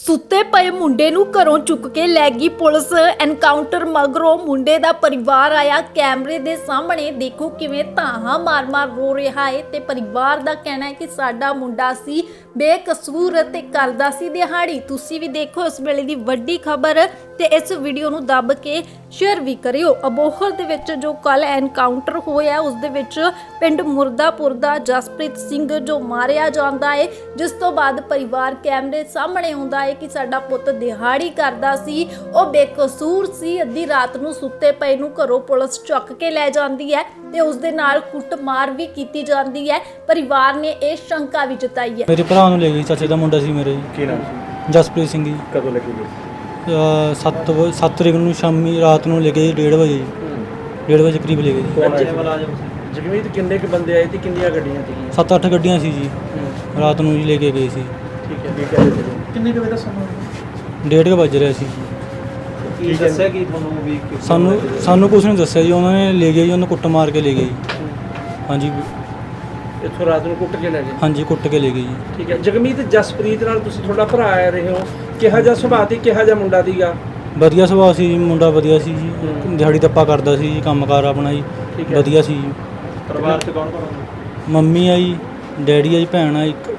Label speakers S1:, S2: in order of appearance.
S1: ਸੁੱਤੇ ਪਏ ਮੁੰਡੇ ਨੂੰ ਘਰੋਂ ਚੁੱਕ ਕੇ ਲੈ ਗਈ ਪੁਲਿਸ। ਐਨਕਾਊਂਟਰ ਮਗਰੋਂ ਮੁੰਡੇ ਦਾ ਪਰਿਵਾਰ ਆਇਆ ਕੈਮਰੇ ਦੇ ਸਾਹਮਣੇ। ਦੇਖੋ ਕਿਵੇਂ ਧਾਹਾਂ ਮਾਰ-ਮਾਰ ਰੋ ਰਿਹਾ ਹੈ ਤੇ ਪਰਿਵਾਰ ਦਾ ਕਹਿਣਾ ਹੈ ਕਿ ਸਾਡਾ ਮੁੰਡਾ ਸੀ ਬੇਕਸੂਰ ਤੇ ਕਰਦਾ ਸੀ ਦਿਹਾੜੀ। ਤੁਸੀਂ ਵੀ ਦੇਖੋ ਇਸ ਵੇਲੇ ਦੀ ਵੱਡੀ ਖਬਰ ਤੇ ਇਸ ਵੀਡੀਓ ਨੂੰ ਦੱਬ ਕੇ ਸ਼ੇਅਰ ਵੀ ਕਰਿਓ। ਅਬੋਹਰ ਦੇ ਵਿੱਚ ਜੋ ਕੱਲ ਐਨਕਾਊਂਟਰ ਹੋਇਆ ਉਸ ਦੇ ਵਿੱਚ ਪਿੰਡ ਮੁਰਦਾਪੁਰ ਦਾ ਜਸਪ੍ਰੀਤ ਸਿੰਘ ਜੋ ਮਾਰਿਆ ਜਾਂਦਾ ਹੈ, ਜਿਸ ਤੋਂ ਬਾਅਦ ਪਰਿਵਾਰ ਕੈਮਰੇ ਸਾਹਮਣੇ ਆਉਂਦਾ ਹੈ ਕਿ ਸਾਡਾ ਪੁੱਤ ਦਿਹਾੜੀ ਕਰਦਾ ਸੀ, ਉਹ ਬੇਕਸੂਰ ਸੀ। ਅੱਧੀ ਰਾਤ ਨੂੰ ਸੁੱਤੇ ਪਏ ਨੂੰ ਘਰੋਂ ਪੁਲਿਸ ਚੁੱਕ ਕੇ ਲੈ ਜਾਂਦੀ ਹੈ ਤੇ ਉਸ ਦੇ ਨਾਲ ਕੁੱਟਮਾਰ ਵੀ ਕੀਤੀ ਜਾਂਦੀ ਹੈ। ਪਰਿਵਾਰ ਨੇ ਇਹ ਸ਼ੰਕਾ ਵੀ ਜਤਾਈ ਹੈ।
S2: ਮੇਰੇ ਭਰਾ ਨੂੰ ਲੈ ਗਈ, ਚਾਚੇ ਦਾ ਮੁੰਡਾ ਸੀ ਮੇਰੇ।
S3: ਕੀ ਨਾਮ ਸੀ?
S2: ਜਸਪ੍ਰੀਤ ਸਿੰਘ ਜੀ।
S3: ਕਦੋਂ ਲੱਗੀ ਗਈ?
S2: 7 ਤਰੀਕ ਨੂੰ ਸ਼ਾਮੀ ਰਾਤ ਨੂੰ ਲੈ ਗਏ 1:30 ਵਜੇ ਜੀ। 1:30 ਵਜੇ ਕਰੀਬ ਲੈ ਗਏ ਜੀ।
S3: ਕੌਣ ਆਇਆ ਸੀ? ਜਗਮੀਤ ਕਿੰਨੇ ਕੁ ਬੰਦੇ ਆਏ ਤੇ ਕਿੰਨੀਆਂ ਗੱਡੀਆਂ ਸੀਗੀਆਂ?
S2: 7-8 ਗੱਡੀਆਂ ਸੀ ਜੀ। ਰਾਤ ਨੂੰ ਜੀ ਲੈ ਕੇ ਗਏ ਸੀ।
S3: ਠੀਕ ਹੈ। ਕੀ ਕਹਿੰਦੇ ਸੀ? ਕਿੰਨੇ ਕੁ ਵਜੇ ਦਾ ਸਮਾਂ?
S2: 1:30 ਵਜ ਰਿਹਾ ਸੀ।
S3: ਕੀ ਦੱਸਿਆ ਕਿ ਤੁਹਾਨੂੰ ਵੀ
S2: ਸਾਨੂੰ ਕੁਝ ਨਹੀਂ ਦੱਸਿਆ ਜੀ। ਉਹਨਾਂ ਨੇ ਲੈ ਗਏ ਜੀ, ਉਹਨੂੰ ਕੁੱਟ ਮਾਰ ਕੇ ਲੈ ਗਏ ਜੀ। ਹਾਂਜੀ
S3: ਇੱਥੋਂ ਰਾਤ ਨੂੰ ਕੁੱਟ ਕੇ ਲੈ ਗਏ?
S2: ਹਾਂਜੀ ਕੁੱਟ ਕੇ ਲੈ ਗਏ ਜੀ।
S3: ਠੀਕ ਹੈ। ਜਗਮੀਤ ਜਸਪ੍ਰੀਤ ਨਾਲ ਤੁਸੀਂ ਤੁਹਾਡਾ ਭਰਾ ਆ ਰਹੇ ਹੋ, ਕਿਹਾ ਜਿਹਾ ਸੁਭਾਅ ਤੇ ਕਿਹਾ ਜਿਹਾ ਮੁੰਡਾ ਸੀਗਾ?
S2: ਵਧੀਆ ਸੁਭਾਅ ਸੀ ਜੀ, ਮੁੰਡਾ ਵਧੀਆ ਸੀ ਜੀ। ਦਿਹਾੜੀ ਦੱਪਾ ਕਰਦਾ ਸੀ ਜੀ, ਕੰਮਕਾਰ ਆਪਣਾ ਜੀ
S3: ਠੀਕ ਹੈ।
S2: ਵਧੀਆ ਸੀ ਜੀ।
S3: ਪਰਿਵਾਰ 'ਚ ਕੌਣ ਕੌਣ?
S2: ਮੰਮੀ ਆ ਜੀ, ਡੈਡੀ ਆ ਜੀ, ਭੈਣ ਆ ਇੱਕ